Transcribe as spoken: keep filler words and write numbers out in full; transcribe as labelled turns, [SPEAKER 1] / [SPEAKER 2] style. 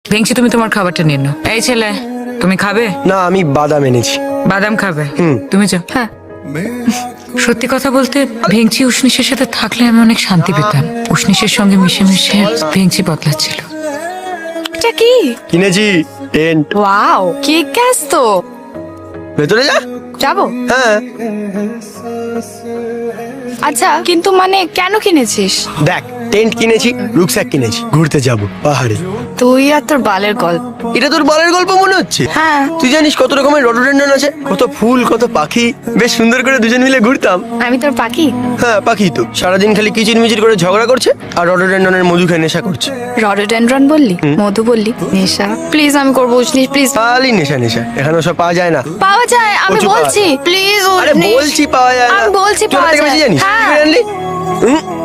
[SPEAKER 1] ভেঙছি, তুমি তোমার খাবারটা নিয়ে নাও। এই ছেলে, তুমি খাবে?
[SPEAKER 2] না, আমি বাদাম এনেছি।
[SPEAKER 1] বাদাম খাবে?
[SPEAKER 2] হুম।
[SPEAKER 1] তুমি যাও।
[SPEAKER 3] হ্যাঁ।
[SPEAKER 1] সত্যি কথা বলতে ভেঙচি উষ্ণিসের সাথে থাকলে আমি অনেক শান্তি পেতাম। উষ্ণিসের সঙ্গে মিশে মিশে ভেঙচি বদলাচ্ছিল।
[SPEAKER 3] এটা কি?
[SPEAKER 2] কিনেছি টেন্ট।
[SPEAKER 3] ওয়াও, কি ক্যাস তো।
[SPEAKER 2] ভেতরে যা।
[SPEAKER 3] যাবো?
[SPEAKER 2] হ্যাঁ
[SPEAKER 3] আচ্ছা, কিন্তু মানে কেন কিনেছিস?
[SPEAKER 2] দেখ, টেন্ট কিনেছি, রুকস্যাক কিনেছি, ঘুরতে যাব পাহাড়ে।
[SPEAKER 3] তুই আর তোর বালের গল্প।
[SPEAKER 2] এটা তোর বলের গল্প মনে হচ্ছে?
[SPEAKER 3] হ্যাঁ।
[SPEAKER 2] তুই জানিস কত রকমের রডোডেন্ড্রন আছে, কত ফুল, কত পাখি, বেশ সুন্দর করে দুজন মিলে ঘুরতাম।
[SPEAKER 3] আমি তোর পাখি?
[SPEAKER 2] হ্যাঁ, পাখি তো সারাদিন খালি কিচির মিচির করে ঝগড়া করছে আর রডোডেন্ড্রনের মধু খেয়ে নেশা করছে।
[SPEAKER 3] রডোডেন্ড্রন বললি, মধু বললি, নেশা। প্লিজ আমি করবো উষ্ণিস, প্লিজ।
[SPEAKER 2] খালি নেশা নেশা, এখানে সব পাওয়া যায় না।
[SPEAKER 3] পাওয়া যায়, আমি
[SPEAKER 2] প্রচুর পাওয়া
[SPEAKER 3] বলছি, প্লিজ
[SPEAKER 2] আরে
[SPEAKER 3] উষ্ণিস।
[SPEAKER 2] বলছি পাওয়া যায় না।
[SPEAKER 3] আমি বলছি
[SPEAKER 2] তুই ওটা
[SPEAKER 3] পাওয়া
[SPEAKER 2] থেকে বেশি
[SPEAKER 3] যায়।
[SPEAKER 2] জানিস?
[SPEAKER 3] হ্যাঁ।
[SPEAKER 2] কি করে আনলি? হুম?